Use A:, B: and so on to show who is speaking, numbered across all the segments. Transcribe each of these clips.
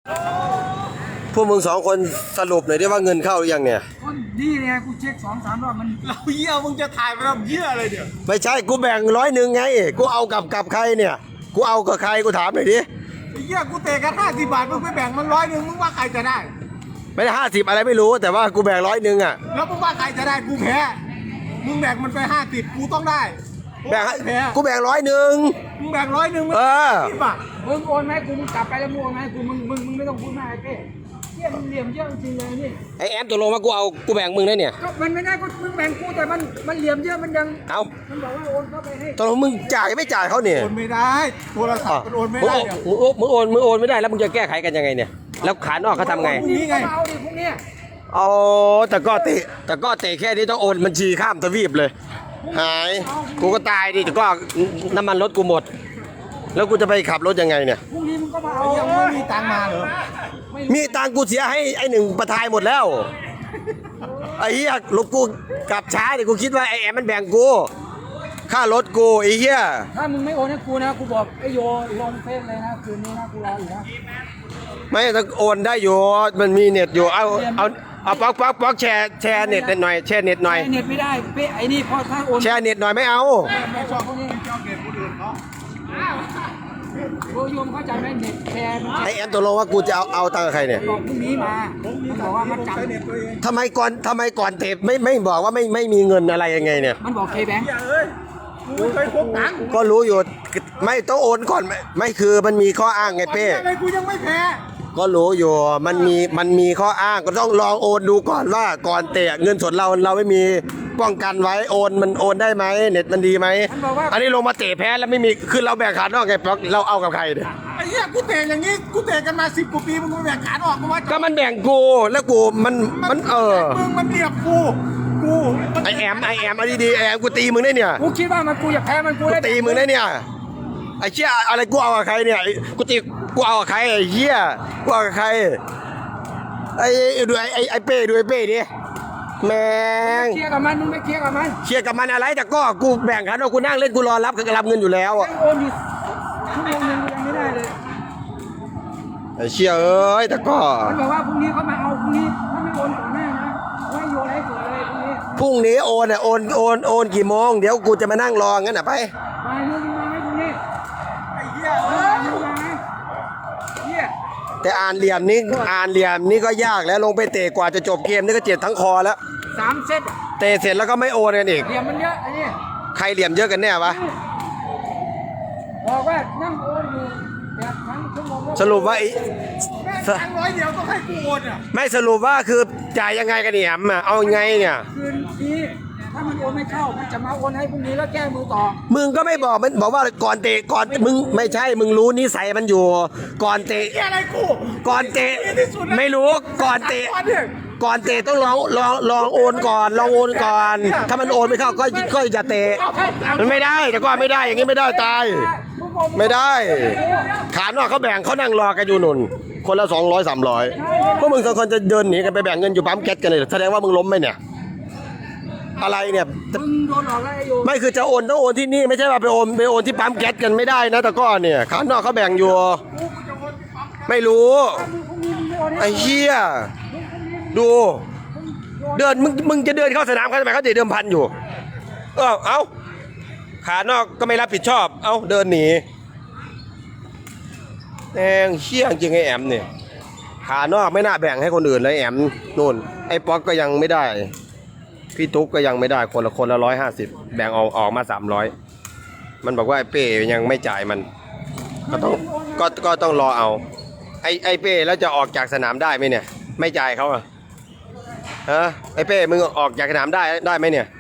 A: พวกมึง2 คนสรุปหน่อยได้ว่าเงินเข้าหรือยังเนี่ย
B: นี่ไงกูเช็ค2-3 รอบมัน
C: เราเยี่ยมึงจะถ่ายไปทำเยี่ยอะไรเดี๋ยว
A: ไม่ใช่กูแบ่ง100ไงกูเอากับใครเนี่ยกูเอากับใครกูถามหน่อยดิ
C: เยี่ยกูเตะกัน50 บาทมึงไปแบ่งมัน100มึงว่าใครจะได้
A: ไม่ได้50อะไรไม่รู้แต่ว่ากูแบ่ง100อ่ะ
C: แล้วมึงว่าใครจะได้กูแพ้มึงแบ่งมันไป50กูต้องได้
A: แบ่งกูแบ่ง100
C: มึงแบ่ง100มึง10 บาท
B: มึงโอนไหมกูมึงกลับไปแล้วมึงโอนไหมกูมึงไม่ต้องพูดมากไอ้เป้เที่ยมึงเหลี่ยมเยอะจริงเลยนี่
A: ไอแอมตกลงว่ากูแบ่งมึงได้เนี่ย
B: ก็มันไม่ได้ก็มึงแบ่งกูแต่มันเหลี่ยมเยอะมันยัง
A: เอา
B: มันบอกว่าโอนเข้าไปให้
A: ตกลงมึงจ่ายไม่จ่ายเขาเนี่ย
C: โอนไม่ได้โทรศัพท์มันโอนไม่ได้
A: มึงโอนไม่ได้แล้วมึงจะแก้ไขกันยังไงเนี่ยแล้วขานอกเขาทำไง
B: นี่ไงเอาดิพวกเนี้ย
A: อ๋อแต่ก็เตะแค่นี้ต้องโอนบัญชีข้ามทวีปเลยหายกูก็ตายดิแต่ก็น้ำมันรถกูหมดแล้วกูจะไปขับรถยังไงเนี่ย
B: พรุ่งนี้มึงก็มาเอา
C: ยังไม่มีตังมาเหรอ
A: มีตังกูเสียให้ไอ้1ประทายหมดแล้วไอ้เหี้ยรถกูกลับช้าดิกูคิดว่าไอ้แอมมันแบ่งกูค่ารถกูไอ้เหี้ย
B: ถ้ามึงไม่โอนให้กูนะกูบอกไอ้โยลงเฟซเลยนะคืนนี้นะกูรออยู่นะ
A: ไม่ต้องโอนได้อยู่มันมีเน็ตอยู่เอาป๊อกแชร์เน็ตหน่อยแชร์เน็ตหน่อย
B: เน็ตไม่ได้เป๊ะไอ้นี่พอถ้าโอน
A: แชร์เน็ตหน่อยไม่เอา
C: ไม่ชอบพวกนี้ชอบเก็บคนอื่นเขา
B: โยมเข้าใจไหมเน็ตแชร์
A: ไอแอมตกลงว่ากูจะเอาตังค์กับใครเนี่ย
B: บอกพรุ่งนี้มามันบอกว่ามันจำ
A: ทำไมก่อนเตะไม่บอกว่าไม่มีเงินอะไรยังไงเนี่ย
B: มันบอกเคแบงค์
C: มึงเคยพกตังค์
A: ก็รู้อยู่ไม่ต้องโอนก่อนไม่คือมันมีข้ออ้างไงเป้
C: อะไรกูยังไม่แพ้
A: ก็รู้อยู่มันมีข้ออ้างก็ต้องลองโอนดูก่อนว่าก่อนเตะเงินสดเราไม่มีป้องกันไว้มันโอนได้ไหมเน็ตมันดีไหมอันนี้ลงมาเตะแพ้แล้วไม่มีคือเราแบ่งขาดนอกไงเราเอากับใครเนี่ย
C: ไอ้เหี้ยกูเตะอย่างนี้กูเตะกันมา10 กว่าปีมึงแบ่งขาดออกกูว่า
A: ก็มันแบ่งกูแล้วกูมัน
C: มึงมันเรียบกู
A: ไอแอมเอาดีๆไอแอมกูตีมึงได้เนี่ย
B: กูคิดว่ามันกูอยากแพ้มันกูได้
A: ตีมึงได้เนี่ยไอ้เชี่ยอะไรกูเอากับใครเนี่ยกูเอากับใครไอ้เหี้ยกูเอากับใครดูไอ้เป้ดูไอ้เป้ดิแม่ง
B: เคลียร์กับมันมึงไม่เคลียร์กับมัน
A: เคลียร์กับมันอะไรแต่ก็กูแบ่งกันว่ากูนั่งเล่นกูรอรับเงินอยู่แล้วอ่ะ
B: โอนอยู่ชั่วโมงนึงยังไม่ได้เลย
A: ไอ้เชี่ยเอ้ยแต่ก็
B: มันบอกว่าพรุ่งนี้เขามาเอาพรุ่งนี้ถ้าไม่โอนก่อนหน้านะไม่โยนให้เกิดเลย
A: พรุ่งนี้โอนกี่โมงเดี๋ยวกูจะมานั่งรองั้นน่ะไป
B: มึงมาให้พรุ่งนี้
C: ไอ้เหี้ย
A: แต่อ่านเหลี่ยมนี่ก็ยากแล้วลงไปเตะกว่าจะจบเกมนี่ก็เจ็บทั้งคอแล้ว
B: 3 เซต
A: เตะเสร็จแล้วก็ไม่โอนกันอีก
B: เหลี่ยมมันเยอะไอ้นี่
A: ใครเหลี่ยมเยอะกันแน่วะ
B: บอกว่านั่งโอนอยู่แบบทั้งชั่วโมง
A: สรุปว่า
C: ตังค์100เดียวต้องให้กูโอนอ่ะ
A: ไม่สรุปว่าคือจ่ายยังไงกันเนี่ยเอาไงเนี่ย
B: คืนนี้ถ้ามันโอนไม่เข้ามันจะมาโอนให้พรุ่งนี้แล้วแก้มือต่อ
A: มึงก็ไม่บอกมันบอกว่าก่อนเตะก่อนมึงไม่ใช่มึงรู้นิสัยมันอยู่ก่อนเตะ
C: อะไรกู
A: ก่อนเตะไม่รู้ก่อนเตะต้องลองโอนก่อนลองโอนก่อนถ้ามันโอนไม่เข้าก็จะเตะมันไม่ได้แต่ก็ไม่ได้อย่างนี้ไม่ได้ตายไม่ได้ขานอกเขาแบ่งเขานั่งรอกันอยู่นุ่นคนละ200-300พวกมึง2 คนจะเดินหนีกันไปแบ่งเงินอยู่ปั๊มแก๊สกันเลยแสดงว่ามึงล้มไหมเนี่ยอะไรเนี่ย
B: มึงโดนหลอกแล้วไอ้โย
A: ไม่คือจะโอนต้องโอนที่นี่ไม่ใช่ว่าไปโอนที่ปั๊มแก๊สกันไม่ได้นะแต่ก็เนี่ยขานอกเขาแบ่งอยู่ไม่รู้ไอ้เหี้ยดูเดินมึงจะเดินเข้าสนามเขาทำไมเขาจะเดิมพันอยู่เอาขานอกก็ไม่รับผิดชอบเดินหนีแม่งเชี่ยจริงไอ้แอมเนี่ยขานอกไม่น่าแบ่งให้คนอื่นเลยแอมนู่นไอ้ป๊อกก็ยังไม่ได้พี่ตุ๊กก็ยังไม่ได้คนละ150แบ่งออกมา300มันบอกว่าไอ้เป้ยังไม่จ่ายมันก็ต้องรอเอาไอ้เป้แล้วจะออกจากสนามได้ไหมเนี่ยไม่จ่ายเขาอะฮะไอ้เป้มึงออกจากสนามได้ไหมเนี่ย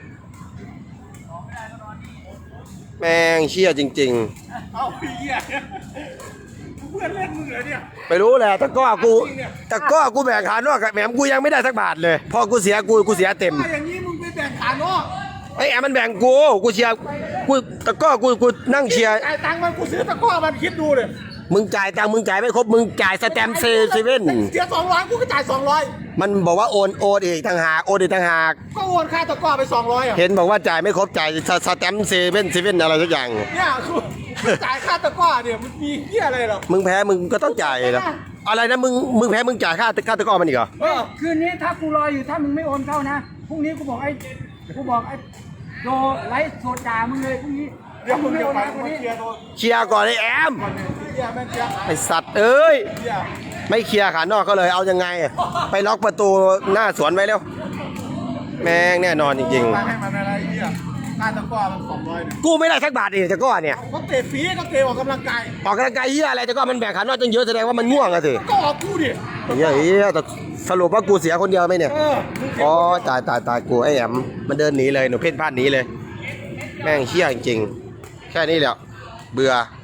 A: แม่งเชี่ยจริง
C: ๆเอาเหี้ยเพื่อนเล่นมึงเหรอเนี่ย
A: ไปรู้แหละแต่ก็กูแบ่งขานอกกับแหมกูยังไม่ได้สักบาทเลยพอกูเสียเต็ม
C: อย่างนี้มึงไปแบ่งขานอก
A: ไอ้แอมมันแบ่งกูเชียร์แต่ก็กูนั่งเชียร์
C: จ่ายตังค์มันกูซื้อตะก้อมันคิดดูเลย
A: มึงจ่ายตังค์มึงจ่ายไม่ครบมึงจ่ายสแตมป์เซเว่น
C: เสีย200กูก็จ่าย200
A: มันบอกว่าโอนอีกต่างหาก
C: ก็โอนค่าตะก้อไป200อ่ะ
A: เห็นบอกว่าจ่ายไม่ครบจ่ายสแตมป์เซเว่นอะไรสักอย่าง
C: เนี่ยจ่ายค่าตะก้อเนี่ยมันมีเหี้ยอะไรหรอ
A: มึงแพ้มึงก็ต้องจ่ายนะอะไรนะมึงแพ้มึงจ่ายค่าตะกร้อมันอีกเหรอ
B: เฮ้ยคืนนี้ถ้ากูรออยู่ถ้ามึงไม่โอนเข้านะพรุ่งนี้กูบอกไอ้โดไลฟ์โซดามึงเลยพรุ่งนี้
C: เดี๋ยวมึง
B: ไม่
C: จะ
B: โอน
C: ไป
B: นะคน
C: มา
B: นี้
C: เคลียร์โดน
A: เคลียร์ก่อนไอ้แอม
C: ก่อนเนี่ยเคลียร์แม่งเคลียร์
A: ไอสัตว์เอ้ย
C: เคลียร์
A: ไม่เคลียร์ขานอกก็เลยเอายังไง ไปล็อกประตูหน้าสวนไว้เร็วแม่งแน่นอนจริง
C: ไปให้มันอะไรเหี้ยค่าตะกร้อมัน200เนี่ย
A: ๆกูไม่ได้สักบาทเองตะกร้อเนี่ย
C: ก็เตะฟรีก็เตะออกกำลังกาย
A: ออกกำลังกายเฮียอะไรตะกร้อมันแบ่งขานอกตั้งเยอะแสดงว่ามันง่วงอะสิ
C: ก็ออกกูดิ
A: เฮียแต่สรุปว่ากูเสียคนเดียวไหมเนี่ย
C: มึงเสีย
A: อ๋อตายกูไอ้แอมมันเดินหนีเลยหนูเพ่นพ่านหนีเลย แม่งเฮี้ยจริงๆแค่นี้แหละเบื่อ